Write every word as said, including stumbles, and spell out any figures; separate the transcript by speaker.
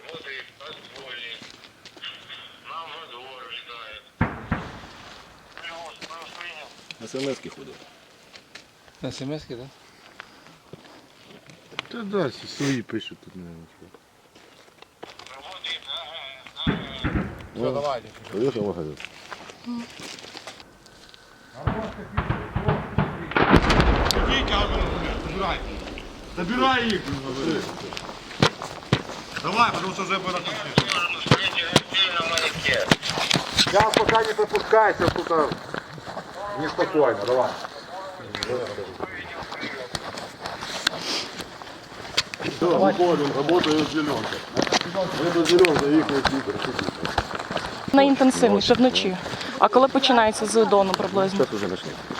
Speaker 1: Работает подпольник. Нам во двор ждает. Плюс, плюс принял.
Speaker 2: СМС-ки ходять.
Speaker 3: На смс-ки, так?
Speaker 4: Та да, всі свої пишуть тут, наверное.
Speaker 1: Работает, ага, ага.
Speaker 2: Все, давайте. Поїхав магазин.
Speaker 4: Забирай їх!
Speaker 5: Давай, потому что уже было там.
Speaker 1: Можем встретить гостей на маяке.
Speaker 5: Сейчас пока не пропускайся, пока неспокойно, давай.
Speaker 2: Все, выходим, работаю зеленка. Это зеленка, їх не світер.
Speaker 6: Найінтенсивніше вночі. А коли починається з дону приблизно?
Speaker 2: Зараз вже почнемо.